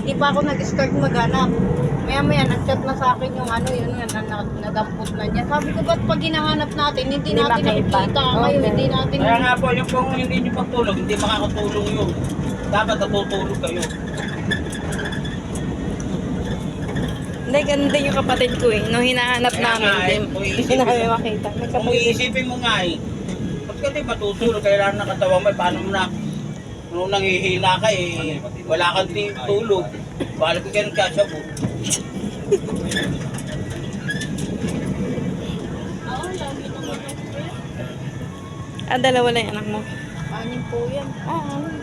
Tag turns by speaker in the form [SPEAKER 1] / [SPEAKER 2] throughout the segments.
[SPEAKER 1] Hindi pa ako nag-start maghanap. Maya-maya, nag-chat na sa akin yung ano, yun, nadampot na niya. Sabi ko, ba't pag hinahanap natin, hindi
[SPEAKER 2] Hindi
[SPEAKER 1] natin
[SPEAKER 2] makita.
[SPEAKER 1] nakikita. Ngayon,
[SPEAKER 2] Okay.
[SPEAKER 1] hindi natin...
[SPEAKER 3] Kaya nga po, yung kung hindi nyo pagtulog, hindi makakatulong yun. Dapat natutulog kayo.
[SPEAKER 2] Hindi, ganun din yung kapatid ko eh. Nung hinahanap
[SPEAKER 3] Kaya
[SPEAKER 2] namin,
[SPEAKER 3] nga, eh,
[SPEAKER 2] hindi namin makita. May
[SPEAKER 3] Kung
[SPEAKER 2] kapatid.
[SPEAKER 3] iisipin mo nga eh, ba't ka di matutulog? Kailangan ng katawan mo, paano mo na, nung nanghihina ka eh, wala kang tulog. Balik ko kayo ng kasabo.
[SPEAKER 2] Dalawa lang yung anak mo.
[SPEAKER 1] Anim po yan.
[SPEAKER 2] Ah,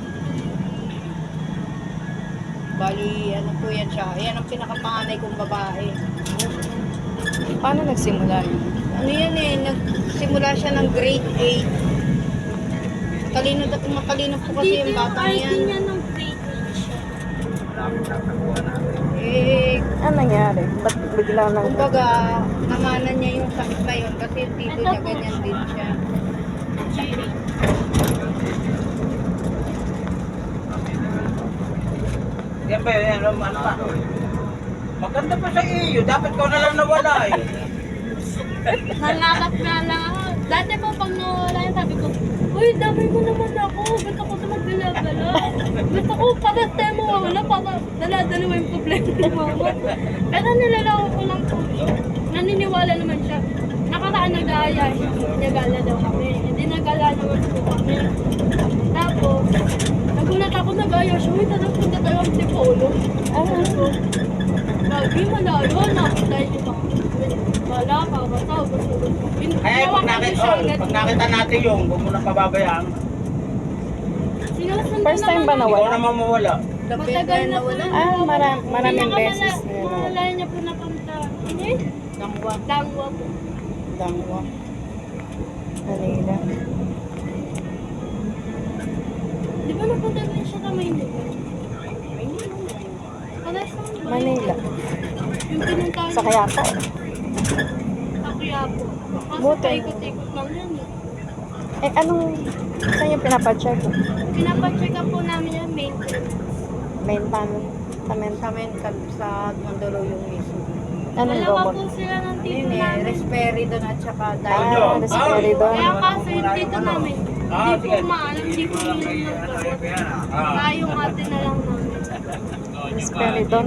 [SPEAKER 1] Bali, ano po yan siya. Yan ang pinakapanganay kong babae.
[SPEAKER 2] paano nagsimula yun?
[SPEAKER 1] Ano yan eh, nagsimula siya ng grade 8. Matalino po kasi yung batang yan.
[SPEAKER 4] ng grade 8 siya.
[SPEAKER 1] Eh,
[SPEAKER 2] Ano nangyari? Ba't bigla nang...
[SPEAKER 1] kumbaga, namanan niya yung sakit na yun kasi yung tito niya ganyan din siya.
[SPEAKER 3] Yan ba yun? Ano pa? Maganda pa sa iyo. Dapat ko na lang nawala eh.
[SPEAKER 4] Nangarap nga lang ako. Dati po pag nawala yan, sabi ko, uy, damay mo naman ako. Ba't ako ito magbala-bala? Ba't ako para tayo mawawala para dala-dalawa yung problema ni mama. Pero nilalako ko lang po. Naniniwala naman siya. Nakaraan nag-aaya siya. Nagala daw kami. Hindi nagala naman po kami. Tapos, nagulat ako nag-aaya siya. Uy, tanong punta tayo ang Tipolo. So, lagi malayo na. Dahil ito. Wala ka, basta gusto.
[SPEAKER 3] Kaya pag nakita natin yung, huwag mo nang pababayaan.
[SPEAKER 2] First time ba
[SPEAKER 3] Ikaw
[SPEAKER 2] nawala?
[SPEAKER 3] naman mawala.
[SPEAKER 4] Matagal na po na.
[SPEAKER 2] Maraming beses na yun.
[SPEAKER 4] Malaya niya po napunta. Hindi?
[SPEAKER 1] Dangwa.
[SPEAKER 4] Dangwa po.
[SPEAKER 2] Dangwa. Manila.
[SPEAKER 4] Di ba napunta din siya sa Maynila? Pares lang ba?
[SPEAKER 2] Manila.
[SPEAKER 4] Yung pinuntahan
[SPEAKER 2] Sa Kayapa.
[SPEAKER 4] Sa Quiapo. Kasi
[SPEAKER 2] Buti.
[SPEAKER 4] paikot-ikot lang yan eh.
[SPEAKER 2] Anong... Saan yung pinapacheck?
[SPEAKER 4] Pinapacheck up po namin yung maintenance.
[SPEAKER 2] Main paano? Sa main
[SPEAKER 1] Sa mental, sa Mandaluyong mismo.
[SPEAKER 2] Anong
[SPEAKER 4] Dalawa
[SPEAKER 2] gamot?
[SPEAKER 4] po sila ng tito
[SPEAKER 1] Yun eh,
[SPEAKER 4] namin.
[SPEAKER 1] Risperidon at saka
[SPEAKER 2] Ah,
[SPEAKER 1] Dialog.
[SPEAKER 2] risperidon.
[SPEAKER 4] Kaya kaso yung tito namin,
[SPEAKER 3] Ah,
[SPEAKER 4] hindi
[SPEAKER 3] sige.
[SPEAKER 4] po maalam, hindi po yun ng gamot. Kaya yung ate na lang namin.
[SPEAKER 2] Risperidon.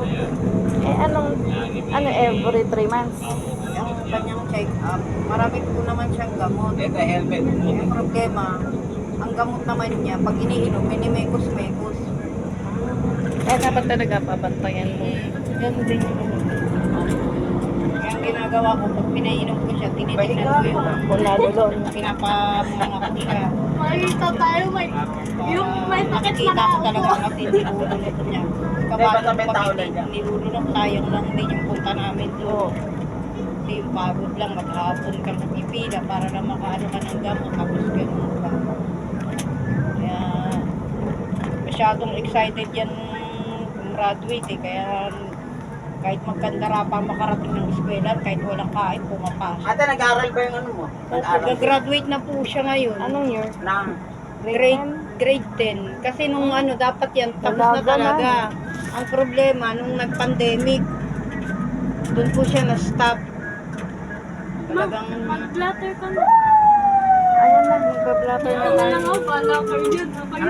[SPEAKER 2] Ano every 3 months?
[SPEAKER 1] Yung kanyang check-up, marami po naman siyang gamot.
[SPEAKER 3] Ito, helmet.
[SPEAKER 1] Yung problema, ang gamot naman niya, pag iniinom, minimekos-mekos.
[SPEAKER 2] Dapat talaga pabantayan mo. Ganun din yung
[SPEAKER 1] Kaya ang ginagawa ko, pag pinainom ko siya, tinitignan ko yung
[SPEAKER 2] kung nadulon.
[SPEAKER 1] pinapamanga ko siya.
[SPEAKER 4] Makikita tayo, yung may sakit na
[SPEAKER 1] Kita ko
[SPEAKER 4] ako.
[SPEAKER 1] talaga kasi nilulunok niya.
[SPEAKER 3] Basta
[SPEAKER 1] Kapag
[SPEAKER 3] may tao lang
[SPEAKER 1] hindi
[SPEAKER 3] yan.
[SPEAKER 1] nilulunok, sayang lang din yung punta namin doon. Kasi yung pagod lang, maghapon ka magpipila para na makaano ka ng gamot, tapos ganun ka. Kaya masyadong excited yan graduate eh, kaya kahit magkandara pa makarating ng eskwela, kahit walang kain, pumapasok.
[SPEAKER 3] Ate, nag-aaral ba yung ano mo? Nag-aaral?
[SPEAKER 1] Nag-graduate na po siya ngayon.
[SPEAKER 2] Anong year?
[SPEAKER 3] Nang
[SPEAKER 1] Grade 10. Kasi nung ano, dapat yan, tapos na
[SPEAKER 2] Talaga na.
[SPEAKER 1] talaga. Ang problema, nung nag-pandemic, doon po siya na-stop. Talagang,
[SPEAKER 4] Mag-blatter ka na.
[SPEAKER 2] Ayan na, magpa-blatter na
[SPEAKER 4] Ano
[SPEAKER 2] tayo.
[SPEAKER 4] lang ako, bala kayo yun.